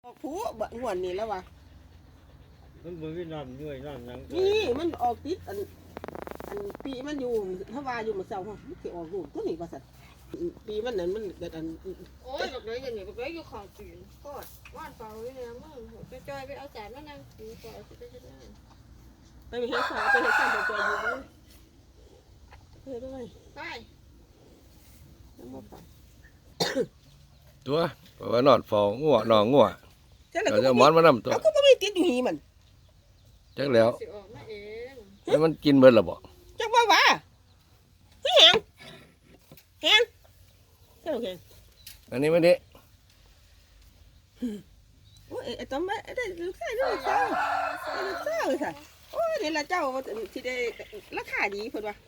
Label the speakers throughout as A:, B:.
A: ผู้บะงวนนี่แล้ววะ
B: มันบ่มีน้ำย่อยน้ำหยัง
A: นี่มันออกติดอันปีมันอยู่ถ้าว่าอยู่มื้อเช้ามันสิออกลูกตัวนี้ว่าซั่นปีมันนั่นมันเกิดอัน
C: โอ้ยบักเลยอย่างนี้บักเลยอยู่ข้างจีนโคตรว่านเปล่าเลยนะมึงไปจอยไปเอาจานมานั่งกินก่อนไปเฮ็ดงาน
A: ไปเฮ็ดสาวไปเฮ็ดสาวไปจอยอยู่เลยเฮ็ดด้วย
C: ไป
A: น้ำบ่ไป
D: ตัวเพราะว่านอนฟองงัวหนองงัว
A: จังแล้ว
D: เรา
A: ก็
D: จะ
A: บ่
D: หมอนมานํตัว
A: เอาก็บ่มีติดอยู่หีมัน
D: จักแล้ว
C: สิออกมาเอง
D: แล้วมันกินเบิดแล้วบ่
A: จักว่าว่าเฮ้ยแฮงเจ้าแฮง
D: อันนี้มันนี่
A: โอ้ยไอ้ตอมได้ลูกชายลูกสาวลูกสาวค่ะโอ้ยนี่ล่ะเจ้าสิได้ราคาดีเพิ่นว่า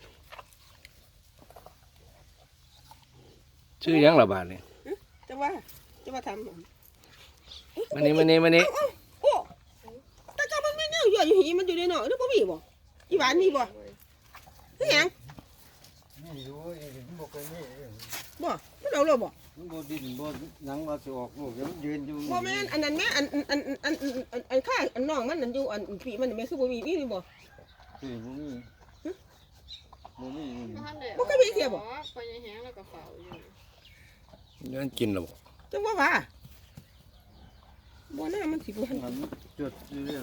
D: ชื่อหยังล่ะบาดนี่
A: จังว่าทำ
D: มันนี่
A: โอ้แต่ก็มันไม่แนวอยู่อยู่หีมันอยู่ในหนองหรือบ่มีบ่อีหวานมีบ่คือหยัง
B: นี่อยู่มันบ่เคยมี
A: บ่มันเอาเลยบ่
B: มันบ่ดินบ่หยังว่าสิออกลูกมันยืนอยู่
A: บ่แม่นอันนั้นแม่อันข้าอันน้องมันอันอยู่อันพี่มันแม่คือบ่มีนี่บ่
B: คือบ่มีบ่มี
C: บ่เคยมีเสียบ่ไปยังแห้งแล้วก็เฝ้าอยู่
D: มันกินแล้วบ่
A: จังว่าบ่น่ามันสิบ่ทัน
B: มันจดอยู่เรื่อง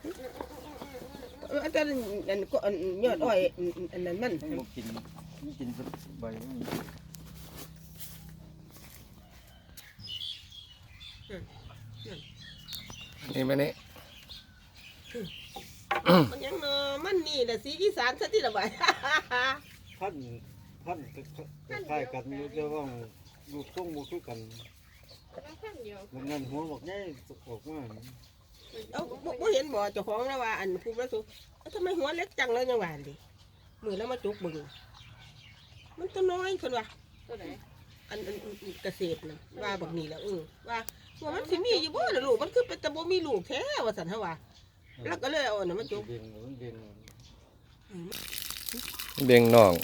A: อาจารย์อันก็อันยอดอ้อยอันนั้นมัน
B: มันบ่กินมันกินสักใบมัน
D: นี่มันนี่
A: มันยังเนาะมันนี่แหละสีอีสานซะที่ละบาย
B: พันคล้ายกันอยู่แต่ว่าลูกทรงบ่คือกัน
C: แล้วขั้นเดียว
B: มันนั่นหัวบอกใหญ่ออกมา
A: เอาบ่เห็นบ่เจ้าของแล้วว่าอันผู้ประสบทำไมหัวเล็กจังเลยจังหวะดิมือแล้วมาจุกมึงมันตัวน้อยคนว่า
C: ตัวไหน
A: อันเกษตรนะว่าบักนี่แหล้วว่ามันสิมีอยู่บ่ล่ะลูกมันคือเป็นตะบ่มีลูกแท้ว่าซั่นเฮาว่าแล้วก็เลยเอาอันนั้นมาจุก
B: เบ่งมันเบ่ง
D: เบ่งน่อง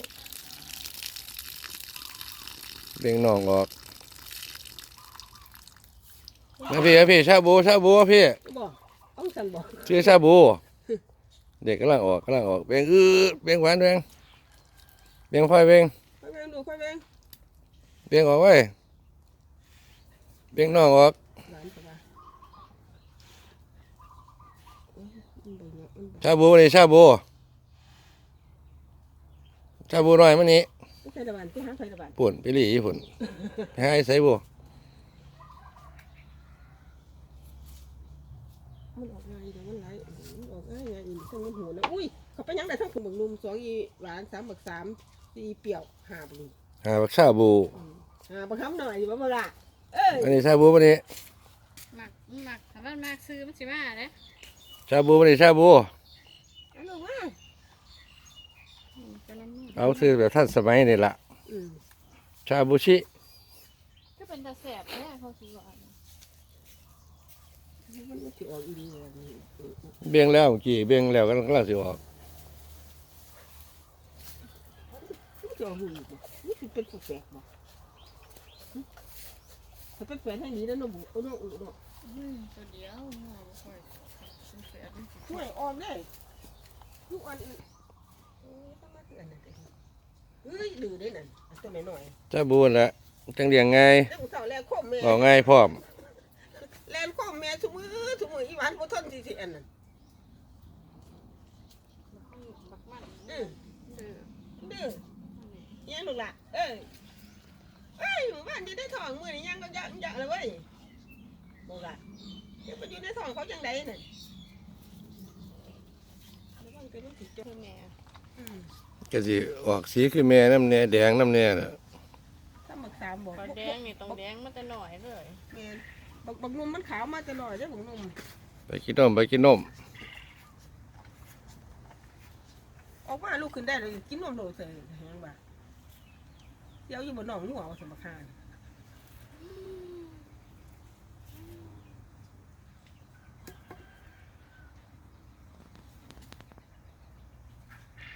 D: เบ่งน่องออกมาพี่ชาบูพี่
A: บ่เอาซั่นบ่
D: ชื่อชาบู เด็กกำลังออกเบ่งเบ่งหวานเบ่งไฟเบ่ง
A: ไปแม่งดูไปแม่ง
D: เบ่งออกไว้เบ่งน่องออก
A: หลานก็ว่า
D: ชาบูนี่ชาบูหน่อยมันนี่
A: ไฟตะวันที่หาไฟตะวัน
D: ปุ่นไปหลีญี่ปุ่นไปให้ใส่บู
A: มันออกง่ายเดี๋ยวมันไหลมันออกง่ายอีกทั้งมันหัวนะอุ้ยเขาไปยังได้ทั้งบักนุ่ม2อีหวาน3บัก3 4เปรี้ยว5บักนี่
D: หาบักชาบู
A: บักคำหน่อยอยู่บ่ล่ะ
D: อันนี้ชาบูมันนี่
C: หมักถ้ามันมากซื้อมันสิมาเด้
D: ชาบูมันนี่ชาบู
A: อันนั้นว่า
C: จะน้ำมือ
D: เอาซื้อแบบท่านสมัยนี่ละชาบูชิ
C: ก็เป็นตาแสบแท้เขาสิว่า
A: มันสิออกอีหลีเลยนี่
D: เบี่ยงแล้วเมื่อกี้เบี่ยงแล้วก็กำลังสิออก
A: มันจะออกหูบ่นี่สิเป็นแปลกบ่ถ้าเป็นแปลกให้นี้แล้วน้องบุน้องอุเนาะ
C: ตัวเดียวหัวบ่ค่อยเป็นแสบ
A: ช่วยออกได้ทุกอันต้องมาเตือนนั่นเฮ้ยดื้อได้นั่นตัวน้อย
D: ชาบูนั่นแหละจังเลี้ยงไง
A: ๆแล้วเฒ่าแล้วคมแม่
D: ออกไงพร้อม
A: แลนคมแม่ทุกมื้ออีหวานบ่ทนสิอันนั้น
C: บักมัน
A: ดื้อ
C: เด้อ
A: ดื้อยังลูกล่ะหมู่บ้านจะได้ทองมื้อนี้ยังก็เยอะเลยเว้ยบ่ล่ะเดี๋ยวไปอยู่ในท้องเขาจังไดนั่นแล้วมันก็รู้สึกจัง
C: แม่
D: ก็สิออกสีคือแม่น้ำแน่แดงน้ำแน่น่ะ
A: ถ้าหมักสามบอก
C: ปลาแดงนี่ต้องแดงมาแต่หน่อยเลย
A: แม่นบักนุ่มมันขาวมาตลอดเด้อบักนุ่ม
D: ไปกินนม
A: ออกมาลูกขึ้นได้เลยกินนมโดดใส่แหงบ่าเดี๋ยวอยู่บนหนองหัวว่าสมบักฮาน